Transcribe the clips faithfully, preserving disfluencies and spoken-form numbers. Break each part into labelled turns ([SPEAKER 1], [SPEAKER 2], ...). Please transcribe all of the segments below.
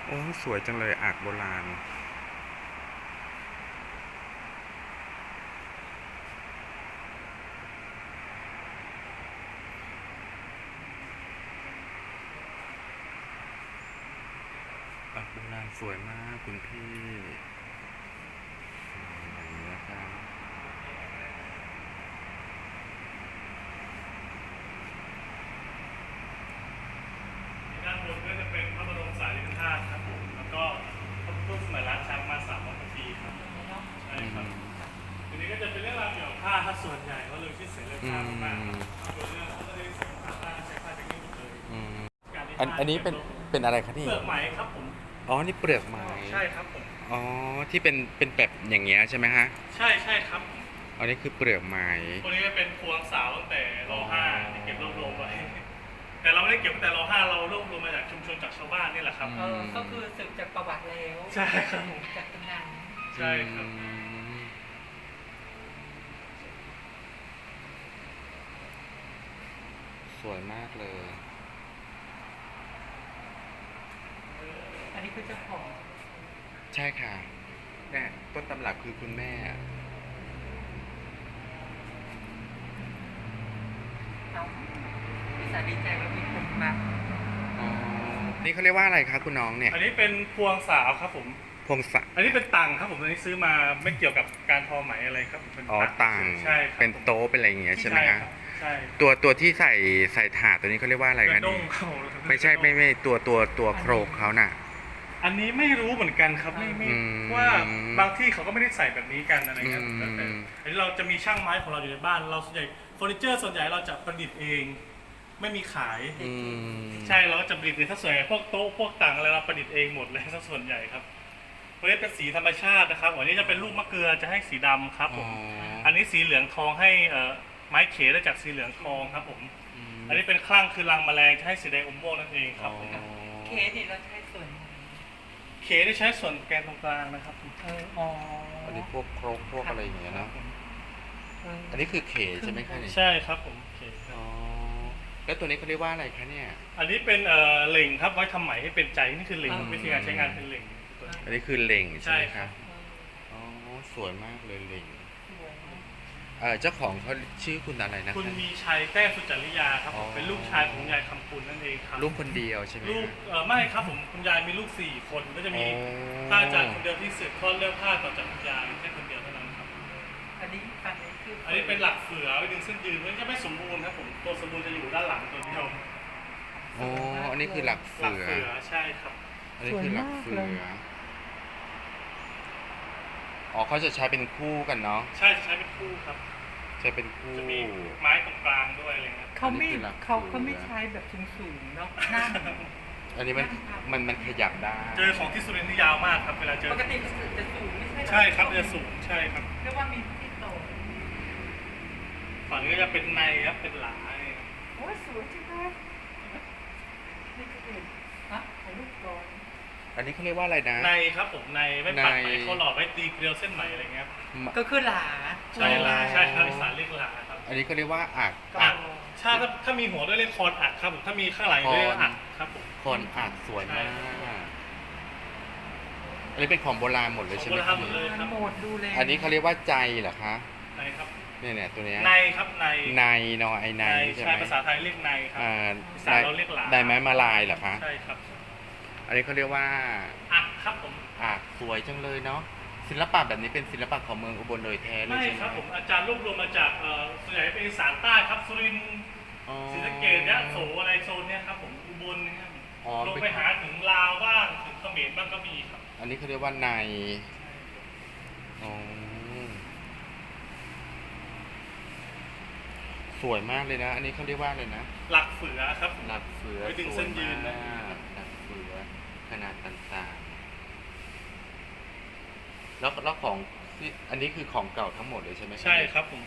[SPEAKER 1] โอ้สวยจังเลยอ่างโบราณอ่างโบราณสวยมากคุณพี่อย่างนี้นะครับ
[SPEAKER 2] ด้านบนก็จะเป็นพระบรมสารีริกธาตุครับผมแล้วก็พระพุทธสมัยรัชช้างมาสามร้อยกว่าปีครับใช่ครับทีนี้ก็จะเป็นเรื่องราวเกี่ยวกับผ้าถ้าส่วนใหญ่ก็เลยที่เสรีผ้ามากๆตัวเรื่องก็จะใช้ผ้าใช้ผ้าจากนี้หมดเลย
[SPEAKER 1] อันอันนี้เป็นเป็นอะไรครับนี่
[SPEAKER 2] เปลือกไหมครับผม
[SPEAKER 1] อ๋อนี่เปลือกไม้
[SPEAKER 2] ใช่ครับผม
[SPEAKER 1] อ๋อที่เป็นเป็นแบบอย่างเงี้ยใช่ไหมฮะ
[SPEAKER 2] ใช่ใช่ครับ
[SPEAKER 1] อันนี้คือเปลือกไม้
[SPEAKER 2] ตัวนี้เป็นพวงสาวตั้งแต่รอห้าที่เก็บรวบรวมไว้แต่เราไม่ได้เก็บตั้งแต่รอห้าเรารวบรวมมาจากชุมชนจากชาวบ้านนี่แหละครับ
[SPEAKER 3] เออก็คือสืบจากประวัติแล้ว
[SPEAKER 2] ใช่ครับ
[SPEAKER 3] จากตำนาน
[SPEAKER 2] ใช่ครับ
[SPEAKER 1] สวยมากเลย
[SPEAKER 3] อันนี้คือเจ้าของ
[SPEAKER 1] ใช่ค่ะเนี่ยต้นตำรับคือคุณแม่
[SPEAKER 3] เอาพี่สาดีใจว่ามีคนมา
[SPEAKER 1] อ๋อนี่เขาเรียกว่าอะไรคะคุณน้องเนี่ย
[SPEAKER 2] อันนี้เป็นพวงสาวครับผม
[SPEAKER 1] พวงสัก
[SPEAKER 2] อันนี้เป็นตังครับผมอันนี้ซื้อมาไม่เกี่ยวกับการทอไหมอะไรครับเป็น
[SPEAKER 1] อ๋อตัง
[SPEAKER 2] ใช่
[SPEAKER 1] เป็นโต๊ะเป็นอะไรอย่างเงี้ยใช่ไหมคะ
[SPEAKER 2] ใช่
[SPEAKER 1] ตัวตัวที่ใส่ใส่ถาดตัวนี้เขาเรียกว่าอะไรคะนี่ไม่ใช่ไม่ไม่ตัวตัวตัวโครงเขาน่ะ
[SPEAKER 2] อันนี้ไม่รู้เหมือนกันครับไม่ไม่ว่าบางที่เขาก็ไม่ได้ใส่แบบนี้กันอะไรเงี้ยแต่อันนี้เราจะมีช่างไม้ของเราอยู่ในบ้านเราส่วนใหญ่เฟอร์นิเจอร์ส่วนใหญ่เราจะประดิษฐ์เองไม่มีขายใช่เราก็จะประดิษฐ์เองถ้าส่วนใหญ่พวกโต๊ะพวกต่างอะไรเราประดิษฐ์เองหมดเลยถ้าส่วนใหญ่ครับตัวนี้เป็นสีธรรมชาตินะครับอันนี้จะเป็นลูกมะเกลือจะให้สีดำครับผมอันนี้สีเหลืองทองให้ไม้เขได้จากสีเหลืองทองครับผมอันนี้เป็นคลั่งคือรังแมลงจะให้สีแดงอมม่วงนั่นเองครับ
[SPEAKER 3] เคสนี่เราใช้ส่วน
[SPEAKER 2] เคได้ใช้ส่วนแกนตรงกลางนะครับ
[SPEAKER 3] เอออ๋อ
[SPEAKER 1] อันนี้พวกโครงพวกอะไรอย่างเงี้ยนะอันนี้คือเขใช่ไหมคะ
[SPEAKER 2] ใช่ครับผมเค
[SPEAKER 1] อ๋อแล้วตัวนี้เขาเรียกว่าอะไรคะเนี่ย
[SPEAKER 2] อันนี้เป็นเอ่อเหล่งครับไว้ทำไหมให้เป็นใจนี่คือเหล่งวิธีการใช้งานเป็นเหล่ง
[SPEAKER 1] อันนี้คือเหล่งใช่ไหมครับอ๋อสวยมากเลยเหล่งเออเจ้าของเขาชื่อคุณอะไรนะ
[SPEAKER 2] คุณมีชัยแต้สุจริยาครับผมเป็นลูกชายของยายคำปุณนั่นเองครับ
[SPEAKER 1] ลูกคนเดียวใช่ไหม
[SPEAKER 2] ลูกเออไม่ครับผมคุณยายมีลูกสี่คนก็จะมีพระอาจารย์คนเดียวที่สืบทอดเรื่องผ้าต่อจากคุณยายแค่คนเดียวเท่านั้นครับ
[SPEAKER 3] อันนี้อันนี้คือ
[SPEAKER 2] อันนี้เป็นหลักเสือไว้ดึงเส้นยืนมันจะไม่สมบูรณ์ครับผมตัวสมบูรณ์จะอยู่ด้านหลังตัวเดียว
[SPEAKER 1] อ๋ออันนี้คือหลักเสือ
[SPEAKER 2] ใช่ครับ
[SPEAKER 1] อันนี้คือหลักเสืออ๋อเขาจะใช้เป็นคู่กันเนาะ
[SPEAKER 2] ใช่จะใช้เป็นคู่ครับ
[SPEAKER 1] ใช้เป็นคู่
[SPEAKER 2] จะมีไม้ตรงกลางด้วยอะไรเงี้ย
[SPEAKER 3] เขาไม่เขาเขาไม่ใช้แบบสูงๆเนาะนั่ง
[SPEAKER 1] อันนี้มันมันมันขยับได้
[SPEAKER 2] เจอของที่สุรินทร์ที่ยาวมากครับเวลาเจอ
[SPEAKER 3] ปกติจะสูงไม่ใช่
[SPEAKER 2] ใช่ครับจะสูงใช่ครับ
[SPEAKER 3] เรียกว่ามีที่โต
[SPEAKER 2] ฝั่งนี้ก็จะเป็นในครับเป็นหลา
[SPEAKER 3] โอ้สวยจังเลยนี่คือฮะถ่ายรูปก่อน
[SPEAKER 1] อันนี้เขาเรียกว่าอะไรนะ
[SPEAKER 2] ในครับผมในไม่ปักไหมเขาหลอดไว้ตีเกลียวเส้นไหมอะไรเงี้ย
[SPEAKER 3] ก็คือหลา
[SPEAKER 2] ใช่หลาใช่ครับอีสานเรียกหลาครับ
[SPEAKER 1] อันนี้เขาเรียกว่าอัก
[SPEAKER 2] อักถ้าถ้ามีหัวด้วยเรียกคอนอักครับผมถ้ามีข้างหลังเรียกอักครับผม
[SPEAKER 1] คอนอักสวยมากอันนี้เป็นของโบราณหมดเลยใช่ไหมครับ
[SPEAKER 3] หมดดูเลย
[SPEAKER 1] อันนี้เขาเรียกว่าใจเหรอคะ
[SPEAKER 2] ในครับ
[SPEAKER 1] เนี่ยเนี่ยตัวนี้
[SPEAKER 2] ในครับใน
[SPEAKER 1] ในนอไอในใช่ไหม
[SPEAKER 2] ภาษาไทยเรียกในครับภาษาเราเรียกหลา
[SPEAKER 1] ได้ไม้มาลายเหรอคะ
[SPEAKER 2] ใช่ครับ
[SPEAKER 1] อันนี้เขาเรียกว่า
[SPEAKER 2] อักครับผม
[SPEAKER 1] อักสวยจังเลยเนาะศิลปะแบบนี้เป็นศิลปะของเมืองอุบลโดยแท้เลยใช่ไหม
[SPEAKER 2] ไม่ครับผมอาจารย์รวบรวมมาจากส่วนใหญ่เป็นอีสานใต้ครับสุรินทร์ศรีสะเกษยะโสอะไรโซนเนี้ยครับผมอุบลนะครับลงไปหาถึงลาวบ้างถึงเขมรบ้างก็มีครับ
[SPEAKER 1] อันนี้เขาเรียกว่าในอ๋อสวยมากเลยนะอันนี้เขาเรียกว่าอะไรนะ
[SPEAKER 2] หลักเสือครับ
[SPEAKER 1] หลักเสือ
[SPEAKER 2] ไปดึงเส้นยืนนะ
[SPEAKER 1] หลักเสือขนาดต่างๆแล้วแล้วของที่อันนี้คือของเก่าทั้งหมดเลยใช่ไหม
[SPEAKER 2] ใช่ครับผม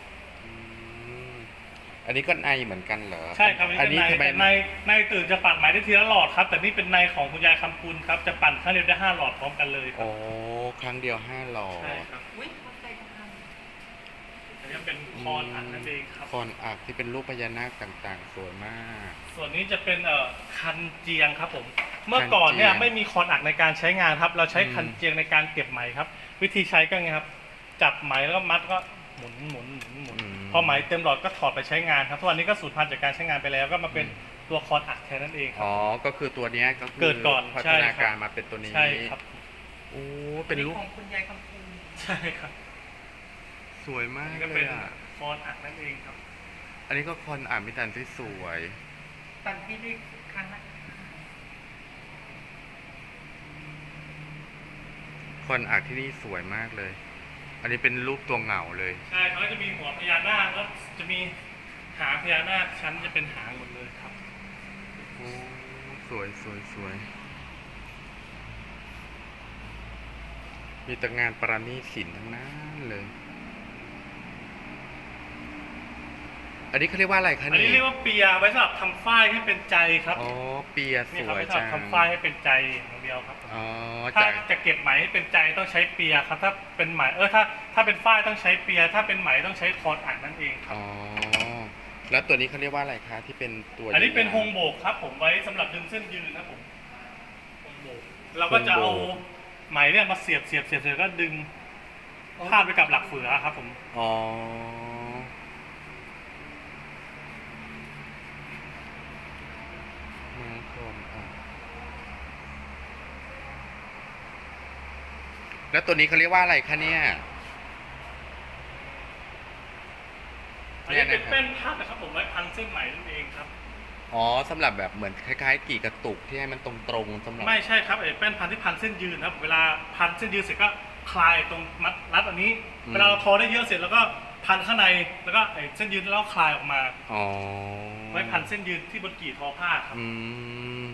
[SPEAKER 1] อันนี้ก็ในเหมือนกันเหรอ
[SPEAKER 2] ใช่ครับอันนี้ทำไมในในตื่นจะปั่นหมายได้ทีละหลอดครับแต่นี่เป็นในของคุณยายคำปุณครับจะปั่นครั้งเดียวได้ห้าหลอดพร้อมกันเลย
[SPEAKER 1] โอ้ครั้งเดียวห้าหลอด
[SPEAKER 2] ใช่ครับ
[SPEAKER 3] อุ้ยเขาใส่กัน
[SPEAKER 2] อันนี้เป็นคอนอัดนั่นเองครับ
[SPEAKER 1] คอนอักที่เป็นรูปพญานาคต่างๆ สวยมาก
[SPEAKER 2] ส่วนนี้จะเป็นเอ่อคันเจียงครับผมเมื่อก่อนเนี่ย
[SPEAKER 1] คันเจียง
[SPEAKER 2] ไม่มีคอนอัดในการใช้งานครับ เราใช้
[SPEAKER 1] อืม
[SPEAKER 2] คันเจียงในการเก็บไหมครับ วิธีใช้ก็ไงครับจับไหมแล้วก็มัดก็หมุนหมุนหมุนหมุนพอไหมเต็มหลอดก็ถอดไปใช้งานครับทุกวันนี้ก็สูญพันธุ์จากการใช้งานไปแล้วก็มาเป็นตัวคอนอัดแทนนั่นเองครั
[SPEAKER 1] อ๋
[SPEAKER 2] บ
[SPEAKER 1] อ ก็คือตัวเนี้ยก็คื
[SPEAKER 2] เกิดก่อน
[SPEAKER 1] พั
[SPEAKER 2] ใช่
[SPEAKER 1] ฒ
[SPEAKER 2] ครับ
[SPEAKER 1] นาการมาเป็นตัวนี้
[SPEAKER 2] ใช่ครับ
[SPEAKER 1] โอ้ เป็นรูป
[SPEAKER 3] ของคุณยายคำพูน
[SPEAKER 2] ใช่ครับ
[SPEAKER 1] สวยมา
[SPEAKER 2] อัน
[SPEAKER 1] ก
[SPEAKER 2] นี้ก็
[SPEAKER 1] เล
[SPEAKER 2] เป็
[SPEAKER 1] ย
[SPEAKER 2] น
[SPEAKER 1] อ่ะ
[SPEAKER 2] คอนอัดนั่นเองครับ
[SPEAKER 1] อันนี้ก็คอนอ่านมิตันที่สวย
[SPEAKER 3] ตอนที่ได้ครั้งแรก
[SPEAKER 1] คอนอักที่นี่สวยมากเลย อันนี้เป็นรูปตัวเหงาเลย
[SPEAKER 2] ใช่เขาจะมีหัวพญานาคแล้วจะมีหางพญานาคชั้นจะเป็นหางหมดเลยครับ
[SPEAKER 1] โอ้สวยสวยสวย มีแต่งานประณีตศิลป์ทั้งนั้นเลย อันนี้เขาเรียกว่าอะไรคะ
[SPEAKER 2] อันนี้เรียกว่าเปียไว้สำหรับทำฝ้ายให้เป็นใจครับ
[SPEAKER 1] อ๋อ เปียส
[SPEAKER 2] นี่ครับ
[SPEAKER 1] วย
[SPEAKER 2] ไว้สำห
[SPEAKER 1] จั
[SPEAKER 2] รับ
[SPEAKER 1] ง
[SPEAKER 2] ทำฝ้ายให้เป็นใจอย่างเดียวครับ
[SPEAKER 1] อ๋อ
[SPEAKER 2] ถ้า
[SPEAKER 1] จาก
[SPEAKER 2] จะเก็บไหมให้เป็นใจต้องใช้เปียครับ ถ้าเป็นไหมเออถ้าถ้าเป็นฝ้ายต้องใช้เปีย ถ้าเป็นไหมต้องใช้คอนอัดนั่นเองครับ
[SPEAKER 1] อ๋อ แล้วตัวนี้เขาเรียกว่าอะไรคะที่เป็นตัว
[SPEAKER 2] อันนี้เป็นฮ
[SPEAKER 1] ยาว
[SPEAKER 2] งโบกครับ ผมไว้สำหรับดึงเส้นยืนครับผมฮงโบกเราก็จะเอาไหมเนี่ยมาเสียบเสียบเสียบเสียบก็ดึงพาดไปกับหลักเฟือครับผม
[SPEAKER 1] อ๋อ มาคอนอักแล้วตัวนี้เขาเรียกว่าอะไรคะเนี่ย
[SPEAKER 2] อันนี้เป็นแป้นพัดนะครับผมไว้พันเส้นไหมนั่นเองครับ
[SPEAKER 1] อ๋อสำหรับแบบเหมือนคล้ายๆ กี่กระตุกที่ให้มันตรงๆสำหรับ
[SPEAKER 2] ไม่ใช่ครับไอ้แป้นพันที่พันเส้นยืนครับ เวลาพันเส้นยืนเสร็จก็คลายตรงมัดรัดอันนี้ เวลาเราทอได้เยอะเสร็จแล้วก็พันข้างในแล้วก็ไอ้เส้นยืนแล้วคลายออกมา
[SPEAKER 1] อ๋อ
[SPEAKER 2] ไว้พันเส้นยืนที่บนกี่ทอผ้าครับ
[SPEAKER 1] อืม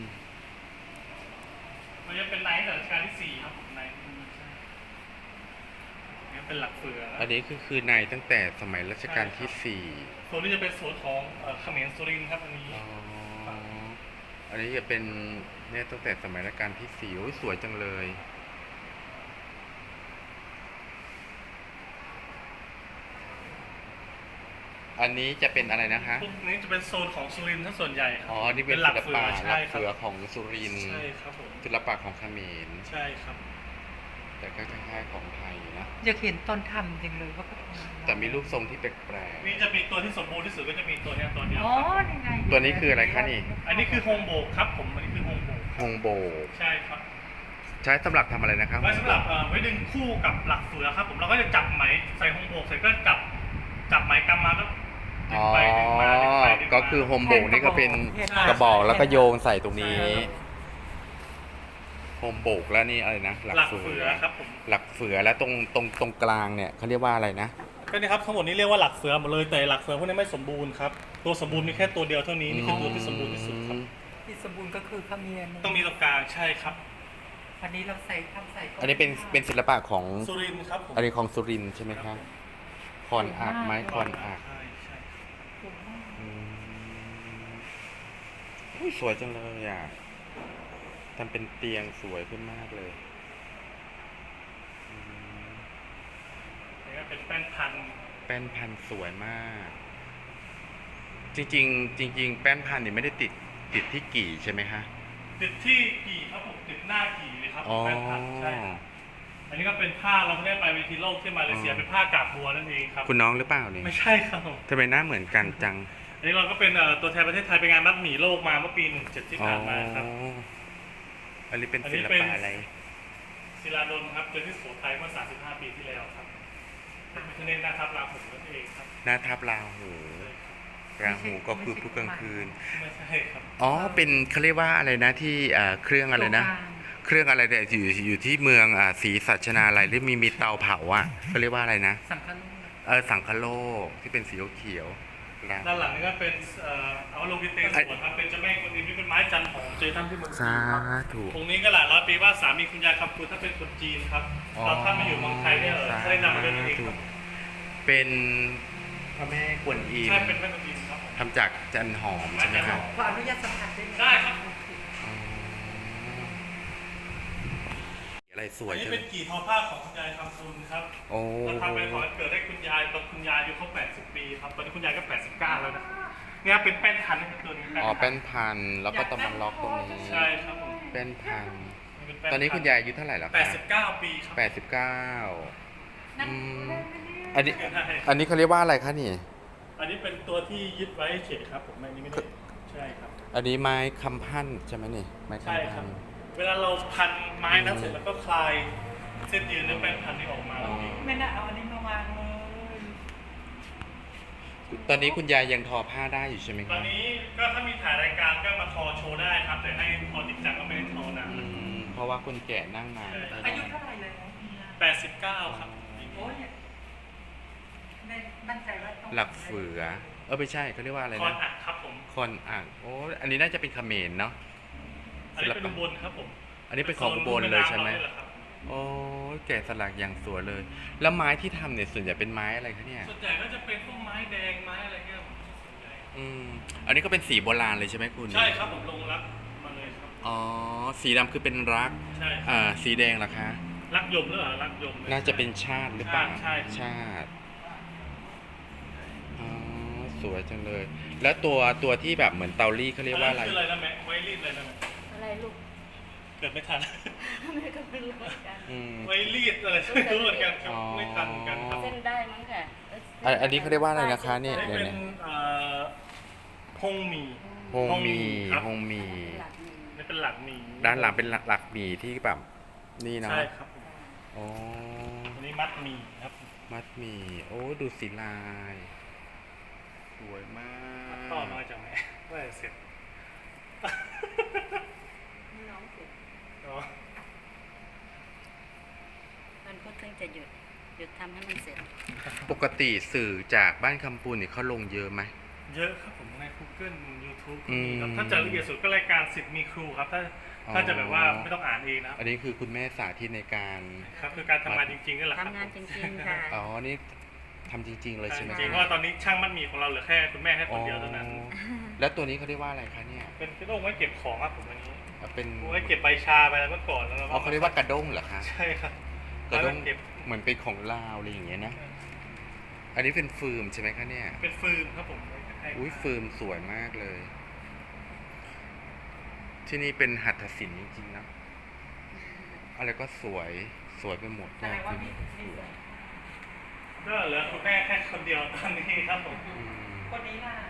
[SPEAKER 2] มันจะเป็นไนท์รัชกาลที่สี่ครับผมไนท์นี่เป็นหลักเฟือนะ
[SPEAKER 1] อันนี้คือคือในตั้งแต่สมัยรัชกาลที่สี่
[SPEAKER 2] โซนนี้จะเป็นโซนของเอ่อเขมรสุรินทร์ครับอันนี้
[SPEAKER 1] อ๋อ อันนี้จะเป็นเนี่ยตั้งแต่สมัยรัชกาลที่สี่โอ้ยสวยจังเลย อันนี้จะเป็นอะไรนะคะ
[SPEAKER 2] พวกนี้จะเป็นโซนของสุรินทร์ทั้งส่วนใหญ่ครั
[SPEAKER 1] อ๋อ นี่เป็น
[SPEAKER 2] หลั
[SPEAKER 1] ศิล
[SPEAKER 2] เฟื
[SPEAKER 1] ปะห
[SPEAKER 2] ใช่
[SPEAKER 1] ลัก
[SPEAKER 2] ครั
[SPEAKER 1] เสือบ ของสุรินทร์
[SPEAKER 2] ใช่ครับผม
[SPEAKER 1] ศิลปะของเขมร
[SPEAKER 2] ใช่ครับ
[SPEAKER 1] แต่ก็คล้ายๆของไทยนะ
[SPEAKER 3] อยากเห็นตอนทำจริงเลยว่าเขาทำ
[SPEAKER 1] แต่มีรูปทรงที่แปลก
[SPEAKER 2] นี่จะมีตัวที่สมบูรณ์ที่สุดก็จะมีตัวเนี้ยตัวเดียว
[SPEAKER 3] อ๋อ
[SPEAKER 2] ครับ
[SPEAKER 3] นี่ไง
[SPEAKER 1] ๆตัวนี้คืออะไรคะนี่
[SPEAKER 2] อันนี้คือโฮมโบกครับผม อันนี้คือโฮมโบก
[SPEAKER 1] ฮงโบ
[SPEAKER 2] ใช่ครับ
[SPEAKER 1] ใช้สำหรับทำอะไรนะครับ
[SPEAKER 2] ไว้สำหรับเอ่อไว้ดึงคู่กับหลักเฟือครับผมเราก็จะจับไหมใส่โฮมโบกเสร็จก็จับจับไหมกำมาก็ดึ
[SPEAKER 1] อ๋
[SPEAKER 2] ง
[SPEAKER 1] อ
[SPEAKER 2] ไปดึงมาดึงไปดึงมา
[SPEAKER 1] ก็คือโฮมโบกนี่ก็เป็นกระบอกแล้วก็โยงใส่ตรงนี้ โฮมโบกแล้วนี่อะไรนะ หลัก
[SPEAKER 2] หลัก
[SPEAKER 1] เฟื
[SPEAKER 2] เฟื
[SPEAKER 1] อ
[SPEAKER 2] อครับผม
[SPEAKER 1] หลักเฟือแล้วตรงตรงตรงกลางเนี่ยเขาเรียกว่าอะไรนะ
[SPEAKER 2] ก็นี่ครับทั้งหมดนี้เรียกว่าหลักเฟือหมดเลยแต่หลักเฟือพวกนี้ไม่สมบูรณ์ครับตัวสมบูรณ์มีแค่ตัวเดียวเท่านี้นี่คือตัวที่สมบูรณ์ที่สุดครับ
[SPEAKER 3] ที่สมบูรณ์ก็คือขมิ้น
[SPEAKER 2] ต้องมีตรงกลางใช่ครับ
[SPEAKER 3] อันนี้เราใส่ทำใส่
[SPEAKER 1] อันนี้เป็นเป็นศิลปะของ
[SPEAKER 2] สุรินทร์ครับผม
[SPEAKER 1] อันนี้ของสุรินทร์ใช่ไหมครับคอนอักไม้คอนอัก
[SPEAKER 2] ใช่ใช่
[SPEAKER 1] อืมอุ๊ยสวยจังเลยอ่ะทำเป็นเตียงสวยขึ้นมากเลยอืม
[SPEAKER 2] นี่ก็เป็นแป้นพัน
[SPEAKER 1] แป้นพันธุ์สวยมาก จริงๆ จริง ๆ แป้นพันธุ์นี่ไม่ได้ติดติดที่กี่ใช่ไหมคะ
[SPEAKER 2] ติดที่กี่ครับผมติดหน้ากี่เลยครับ
[SPEAKER 1] อ๋อ
[SPEAKER 2] แป้นพันใช่ครับอันนี้ก็เป็นผ้าเราไม่ได้ไปเวทีโลกที่มาเลเซีย
[SPEAKER 1] อ๋อ
[SPEAKER 2] เป็นผ้ากาบบัวนั่นเองครับ
[SPEAKER 1] คุณน้องหรือเปล่านี่
[SPEAKER 2] ไม่ใช่ครับผม
[SPEAKER 1] ทำไมหน้าเหมือนกันจัง
[SPEAKER 2] อันนี้เราก็เป็นเอ่อตัวแทนประเทศไทยไปงานมัดหมี่โลกมาเมื่อปีหนึ่งเจ็ดที่ผ่านมาครับ
[SPEAKER 1] อ๋ออันนี้เป็น
[SPEAKER 2] อัน
[SPEAKER 1] ศิ
[SPEAKER 2] นี้
[SPEAKER 1] ล
[SPEAKER 2] เป็น
[SPEAKER 1] ปะอะไร
[SPEAKER 2] ศิลาดลครับเจอที่สุโขทัยเมื่อสามสิบห้าปีที่แล้วครับเป็นพิคเนตหน้าทับราหูนั่นเองครับ
[SPEAKER 1] หน้าทับราหูราหูก็คือผู้กลางคืน
[SPEAKER 2] ไม่ใช่ครับ
[SPEAKER 1] อ๋อ เป็นเขาเรียกว่าอะไรนะที่อ่าเครื่องอะไรนะ เครื่องอะไรเนี่ยอยู่อยู่ที่เมืองอ่าศรีสัชนาลัยหรือมีมีเตาเผาอ่ะเขาเรียกว่าอะไรนะ
[SPEAKER 3] สังฆลูก
[SPEAKER 1] เออสังคโลกที่เป็นสีเขียวๆราหู
[SPEAKER 2] ด้านหลังนี่ก็เป็นเอ่อเอาโลกิเตสวนครับเป็นเจ้าแม่กวนอิมที่เป็นไม้จันทร์ของเจทัมที่เมืองจี
[SPEAKER 1] สาน
[SPEAKER 2] ครับ
[SPEAKER 1] ธุ
[SPEAKER 2] องค์นี้ก็หลายร้อยปีว่าสามีคุณยายคำพูถ้าเป็นคนจีนครับ
[SPEAKER 1] อ๋อ
[SPEAKER 2] เราถ้ามาอยู่เมืองไทยเนี่ยเออได้นำมาด้วยตัวเองครับ
[SPEAKER 1] เป็นพระแม่กวนอิม
[SPEAKER 2] ใช่เป็นแม่กวนอิมครับผม
[SPEAKER 1] ทำจากจันหอมใช่ไหมครับ
[SPEAKER 3] ขออนุญาตสัมผัสได้ไหม
[SPEAKER 2] ได้ครับ
[SPEAKER 1] อ๋อลายสวย
[SPEAKER 2] อันนี้
[SPEAKER 1] จัง
[SPEAKER 2] เป็นกี่ทอผ้าของคุณยายคำคุณครับ
[SPEAKER 1] โอ้
[SPEAKER 2] เราทำไปขอเกิดให้คุณยายตอนคุณยายอายุครบแปดสิบปีครับ ตอนนี้คุณยายก็แปดสิบเก้าแล้วนะเนี่ยเป็นแป้นพันธุ์นะครับตัวนี้
[SPEAKER 1] อ๋อเป็นพันแล้วก็ต้องมาล็อกตรงนี้
[SPEAKER 2] ใช่ครับผม
[SPEAKER 1] เป็นพัน
[SPEAKER 2] เป็แป้
[SPEAKER 1] ตอนนี้คุณยายอายุเท่าไหร่แล้ว
[SPEAKER 2] แป
[SPEAKER 1] คะ
[SPEAKER 2] ดสิบเก้าปีครับ
[SPEAKER 1] แปดสิบเก้า
[SPEAKER 3] นั่น
[SPEAKER 1] อืม
[SPEAKER 3] เล่นไปเนี่ย
[SPEAKER 1] อันนี้ อันนี้เขาเรียกว่าอะไรคะนี่
[SPEAKER 2] อันนี้เป็นตัวที่ยึดไว้เฉยครับผมอันนี้ไม่ได้ใช่ครับ
[SPEAKER 1] อันนี้ไม้คำพันใช่ไหมนี่ไม้
[SPEAKER 2] ใช่
[SPEAKER 1] คำ
[SPEAKER 2] ค
[SPEAKER 1] พั
[SPEAKER 2] รับ
[SPEAKER 1] น
[SPEAKER 2] เวลาเราพันไม้นั้นเสร็จแล้วก็คลายเส้นยืนในแป้นพันธุ์นี้ออกมา
[SPEAKER 1] อ๋อ
[SPEAKER 3] ไม่น่าเอาอันนี้มาวางเลย
[SPEAKER 1] ตอนนี้คุณยายยังทอผ้าได้อยู่ใช่ไหม
[SPEAKER 2] ต
[SPEAKER 1] ค
[SPEAKER 2] อ
[SPEAKER 1] รั
[SPEAKER 2] น
[SPEAKER 1] บ
[SPEAKER 2] นี้ก็ถ้ามีถ่ายรายการก็มาทอโชว์ได้ครับ แต่ให้ทอจริงจังก็ไม่ได้ทอนาน
[SPEAKER 1] อืมเพราะว่าคุณแก่นั่งนาน
[SPEAKER 3] อายุเท่าไหร่เลยนะเฮีย
[SPEAKER 2] แปดสิบเก้าครับ
[SPEAKER 3] โอ้ยในมั่นใจว่าต้อง
[SPEAKER 1] หลักเฟือ เออไม่ใช่เขาเรียกว่าอะไร
[SPEAKER 2] คอน
[SPEAKER 1] นะ
[SPEAKER 2] อัดครับผม
[SPEAKER 1] คอนอ่างโอ้อันนี้น่าจะเป็นเขมรเนาะ
[SPEAKER 2] อันนี้เป็นอุบลครับผม
[SPEAKER 1] อันนี้เป็นของอุบลเลยใช่ไหม
[SPEAKER 2] โซนแน้ำเรานี่แหละครับ
[SPEAKER 1] โอ้ยแกะสลักอย่างสวยเลย แล้วไม้ที่ทำเนี่ยส่วนใหญ่เป็นไม้อะไรคะเนี่ย
[SPEAKER 2] ส่วนใหญ่ก็จะเป็นพวกไม้แดงไม้อะไรเงี้ยผมส่วนใหญ่
[SPEAKER 1] อืมอันนี้ก็เป็นสีโบราณเลยใช่ไหมคุณ
[SPEAKER 2] ใช่ครับผมลงรักมาเลยครับ
[SPEAKER 1] อ๋อสีดำคือเป็นรัก
[SPEAKER 2] ใช่ครับ
[SPEAKER 1] อ่าสีแดงล่ะคะ
[SPEAKER 2] รักยมหรือเปล่ารักยม
[SPEAKER 1] น่าจะเป็นชาติหรือเปล่า
[SPEAKER 2] ใช่ใช่
[SPEAKER 1] ชาติอ๋อสวยจังเลย แล้วตัวตัวที่แบบเหมือนเตาลี่เขาเรียกว่าอะไร
[SPEAKER 2] นนั้นคืออะไรนะแม่ไวรีดอะไรนะแม่
[SPEAKER 3] อะไรลูก
[SPEAKER 2] เกิดไม่ทัน
[SPEAKER 3] แม่ก็ไม่รู้เหมือนกัน
[SPEAKER 1] อืม
[SPEAKER 2] ไวรีดอะไรไม่รู้เหมือนกันครับ
[SPEAKER 1] อ๋อ
[SPEAKER 2] ไม่ทันเหมือนกันครับ
[SPEAKER 3] เส้นได้มั้งค่ะ
[SPEAKER 1] อันอันนี้เขาเรียกว่าอะไรนะคะเนี่ย
[SPEAKER 2] นี่
[SPEAKER 1] เดี๋ยว
[SPEAKER 2] เป็น
[SPEAKER 1] นะ
[SPEAKER 2] เอ่อฮงหมี
[SPEAKER 1] ฮงมี
[SPEAKER 2] ครับ
[SPEAKER 1] ฮงมี
[SPEAKER 3] หลักหนึ่ง
[SPEAKER 2] นี่เป็นหลักหมี
[SPEAKER 1] ด้านหลังเป็นหลักหลักหมีที่แบบนี่เนาะ
[SPEAKER 2] ใช่ครับผม
[SPEAKER 1] อ๋อ
[SPEAKER 2] อันนี้มัดหมีครับ
[SPEAKER 1] มัดหมีโอ้ดูสีลาย สวยมาก
[SPEAKER 2] ต่อมาจากไหนว่าจะเสร็จ
[SPEAKER 3] น้องเสร็จ
[SPEAKER 2] อ๋อ
[SPEAKER 3] มันก็เพิ่งจะหยุดหยุดทำให้มันเสร็จ
[SPEAKER 1] ปกติสื่อจากบ้านคำปูนเนี่ยเขาลงเยอะไหม
[SPEAKER 2] เยอะครับผมใน Google YouTube ก็
[SPEAKER 1] อื
[SPEAKER 2] มี
[SPEAKER 1] ม
[SPEAKER 2] ครับถ้าจะละเอียดสุดก็รายการสิทธิ์มีครูครับ ถ้า
[SPEAKER 1] อ๋อ
[SPEAKER 2] ถ้าจะแบบว่าไม่ต้องอ่านเองนะ
[SPEAKER 1] อันนี้คือคุณแม่สาธิตในการ
[SPEAKER 2] ครับคือการทำงานจริงๆนี่แหละครับ
[SPEAKER 3] ทำงานจริงๆค่ะ
[SPEAKER 1] อ๋อ นี่ทำจริง ๆ เลยใช่ไหม
[SPEAKER 2] จริงๆเพราะว่าตอนนี้ช่างมัดหมีของเราเหลือแค่คุณแม่แค่คนเดียวเท่านั้น
[SPEAKER 1] อ๋อแล้วตัวนี้เขาเรียกว่าอะไรคะเนี่ย
[SPEAKER 2] เป็นกระด้งไว้เก็บของครับผมอันนี้
[SPEAKER 1] เป็น
[SPEAKER 2] ไว้เก็บใบชาไปแล้วเมื่อก่อนแล้ว
[SPEAKER 1] อ๋อเขาเรียกว่ากระด้งเหรอคะ
[SPEAKER 2] ใช่ครับ
[SPEAKER 1] กระด้ง
[SPEAKER 2] ไว้เก็บ
[SPEAKER 1] เหมือนเป็นของลาวอะไรอย่างเงี้ยนะ อันนี้เป็นฟืมใช่ไหมคะเนี่ย
[SPEAKER 2] เป็นฟืนครับผมให้
[SPEAKER 1] อุ้ยฟืมสวยมากเลย ที่นี่เป็นหัตถศิลป์จริงๆนะ อะไรก็สวย สวยไปหมด
[SPEAKER 3] แสดงว่าพี่พี่สวย
[SPEAKER 2] ก็เหลือคุณแม่แค่คนเดียวตอนนี้ครับผม
[SPEAKER 1] อืม
[SPEAKER 3] คนนี้ล่ะ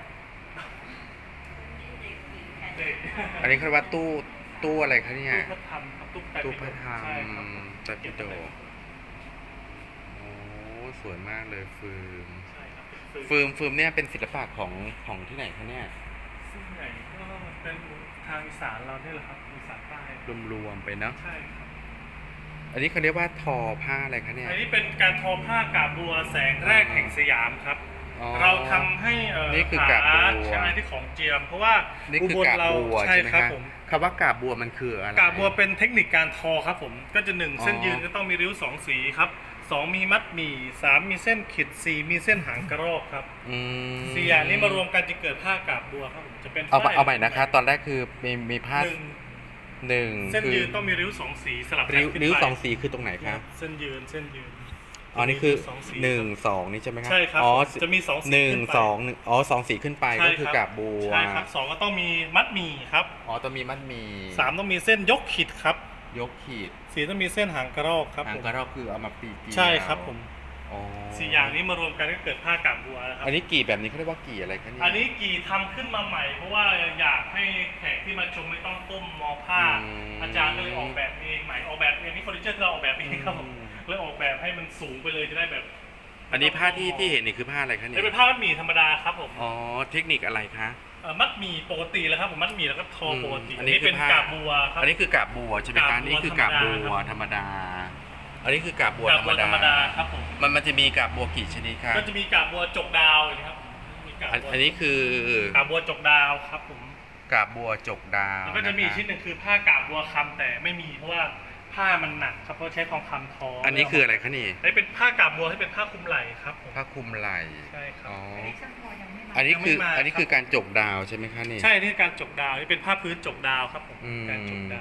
[SPEAKER 2] เด็ก
[SPEAKER 1] อันนี้เขาเรียกว่าตู้ ตู้อะไรคะเนี่ย
[SPEAKER 2] ตู้พระธรรมครับตู้แปด
[SPEAKER 1] ตู้พระธรรม
[SPEAKER 2] ใช่ครับผม
[SPEAKER 1] ตะปิโดกโอ้สวยมากเลยฟืม
[SPEAKER 2] ใช่ครับเป็น
[SPEAKER 1] ฟืมฟืมเนี่ยเป็นศิลปะของของที่ไหนคะเนี่ย
[SPEAKER 2] ซึ่งใหญ่ก็เป็นทางอีสานเราเนี่ยแหละครับอีสานใต้
[SPEAKER 1] รวมๆไปเนาะ
[SPEAKER 2] ใช่ครับ
[SPEAKER 1] อันนี้เขาเรียกว่าทอผ้าอะไรคะเนี่ย
[SPEAKER 2] อันนี้เป็นการทอผ้ากาบบัวแสงแรกแห่งสยามครับ
[SPEAKER 1] อ๋อ
[SPEAKER 2] เราทำให้เอ่อ
[SPEAKER 1] นี่คือกาบบัว
[SPEAKER 2] ใช่ที่ของเจียม เพราะว่า
[SPEAKER 1] นี่
[SPEAKER 2] อุ
[SPEAKER 1] คือบ
[SPEAKER 2] ล
[SPEAKER 1] กาบ
[SPEAKER 2] เรา
[SPEAKER 1] บัว
[SPEAKER 2] ใช่
[SPEAKER 1] ใช่ไหม
[SPEAKER 2] ครับ
[SPEAKER 1] คะ
[SPEAKER 2] ผม
[SPEAKER 1] คำว่ากาบบัวมันคืออะไร
[SPEAKER 2] กาบบัวเป็นเทคนิคการทอครับผมก็จะหนึ่ง
[SPEAKER 1] อ๋อ
[SPEAKER 2] เส้นยืนก็ต้องมีริ้วสองสีครับสองมีมัดหมี่สามมีเส้นขีดสี่มีเส้นหางกระรอกครับ
[SPEAKER 1] อืม
[SPEAKER 2] สี่อย่างนี้มารวมกันจะเกิดผ้ากาบบัวครับผมจะเป็น
[SPEAKER 1] เอา
[SPEAKER 2] ฝ้ย
[SPEAKER 1] เอาใหม่นะคะ ตอนแรกคือมีมีผ้า
[SPEAKER 2] หนึ่ง
[SPEAKER 1] หนึ่ง
[SPEAKER 2] เส้น
[SPEAKER 1] คือ
[SPEAKER 2] ยืนต้องมีริ้วสองสีสลับกัน
[SPEAKER 1] ริ้ว
[SPEAKER 2] ขึ้นไป
[SPEAKER 1] ริ้วสองสีคือตรงไหนคะ
[SPEAKER 2] เส้นยืนเส้นยืน
[SPEAKER 1] อ๋อนี่คือ
[SPEAKER 2] ริ้วสสี
[SPEAKER 1] หนึ่งสองนี่ใช่ไหมครับ
[SPEAKER 2] ใช่ครับ
[SPEAKER 1] อ๋อ
[SPEAKER 2] จะมีสองสี
[SPEAKER 1] หนึ่ง
[SPEAKER 2] ขึ้ไป
[SPEAKER 1] สองหนึ่งอ๋อสองสีขึ้นไป
[SPEAKER 2] ใช่
[SPEAKER 1] ก็คือกาบบัว
[SPEAKER 2] ใช่ครับสองก็ต้องมีมัดหมี่ครับ
[SPEAKER 1] อ๋อต้องมีมัดหมี
[SPEAKER 2] สามต้องมีเส้นยกขีดครับ
[SPEAKER 1] ยกขีด
[SPEAKER 2] สี่ต้องมีเส้นหางกระรอกครับ
[SPEAKER 1] หาง
[SPEAKER 2] ผม
[SPEAKER 1] กระรอกคือเอามาปีกี
[SPEAKER 2] ใช่ครับผม
[SPEAKER 1] อ๋อ
[SPEAKER 2] สี่อย่างนี้มารวมกันก็เกิดผ้ากาบบัวนะครับ
[SPEAKER 1] อันนี้กี่แบบนี้เขาเรียกว่ากี่อะไรคะเนี่ย
[SPEAKER 2] อันนี้กี่ทำขึ้นมาใหม่ เพราะว่าอยากให้แขกที่มาชมไม่ต้องก้มมองผ้า
[SPEAKER 1] อืม
[SPEAKER 2] อาจารย์ก็เลยออกแบบเองใหม่ออกแบบเองนี่เฟอร์นิเจอร์ที่เราออกแบบเองครับผม
[SPEAKER 1] อืม
[SPEAKER 2] เลยออกแบบให้มันสูงไปเลยจะได้แบบ
[SPEAKER 1] อันนี้ผ้าที่ที่เห็นนี่คือผ้าอะไรคะเนี่
[SPEAKER 2] นี่
[SPEAKER 1] ย
[SPEAKER 2] เป็นผ้ามัดหมี่ธรรมดาครับผม
[SPEAKER 1] อ๋อเทคนิคอะไรคะ
[SPEAKER 2] เอ่อมัดหมี่ปกติแล้วครับผมมัดหมี่แล้วก็ทอปกติ
[SPEAKER 1] อืมอั
[SPEAKER 2] อั
[SPEAKER 1] น
[SPEAKER 2] น
[SPEAKER 1] นี้
[SPEAKER 2] นี้เป็น
[SPEAKER 1] คือผ้าก
[SPEAKER 2] าบบัวครับ
[SPEAKER 1] อันนี้คือกาบบัวใช่ไหม
[SPEAKER 2] กา
[SPEAKER 1] คะ
[SPEAKER 2] บบัว
[SPEAKER 1] นี่คือกาบบัวธรรมดา อันนี้คือกาบบัว
[SPEAKER 2] กาบ
[SPEAKER 1] ธรร
[SPEAKER 2] บั
[SPEAKER 1] ม
[SPEAKER 2] ว
[SPEAKER 1] ดา
[SPEAKER 2] ธรรมดาครับผม
[SPEAKER 1] มันมันจะมีกาบบัวกี่ชนิดคะ
[SPEAKER 2] ก็จะมีกาบบัวจกดาวอย่างนี้ครับมีกาบ
[SPEAKER 1] อัน
[SPEAKER 2] บัว
[SPEAKER 1] อันนี้คือก
[SPEAKER 2] าบบัวจกดาวครับผม
[SPEAKER 1] กาบบัวจกดาว
[SPEAKER 2] แล้วก็จะมีอีก
[SPEAKER 1] ค
[SPEAKER 2] ชิ้นหนึ่งคือผ้ากาบบัวคำแต่ไม่มีเพราะว่าผ้ามันหนักครับเพราะใช้ทองคำทอ
[SPEAKER 1] อั
[SPEAKER 2] อั
[SPEAKER 1] นนี้คืออะไรคะนี่
[SPEAKER 2] อันนี้เป็นผ้ากาบบัวที่เป็นผ้าคลุมไหล่ครับผม
[SPEAKER 1] ผ้าคลุมไหล่
[SPEAKER 2] ใช่ครับ
[SPEAKER 1] อ๋อ
[SPEAKER 3] อันนี้ช่างพอยังไม่มา
[SPEAKER 1] อันนี้คือ
[SPEAKER 2] ยังไม่มา
[SPEAKER 1] อันนี้คือการจกดาวใช่ไหมคะนี่
[SPEAKER 2] ใช่นี่คือการจกดาวนี่เป็นผ้าพื้นจกดาวครับผม
[SPEAKER 1] อืม
[SPEAKER 2] การจกดาว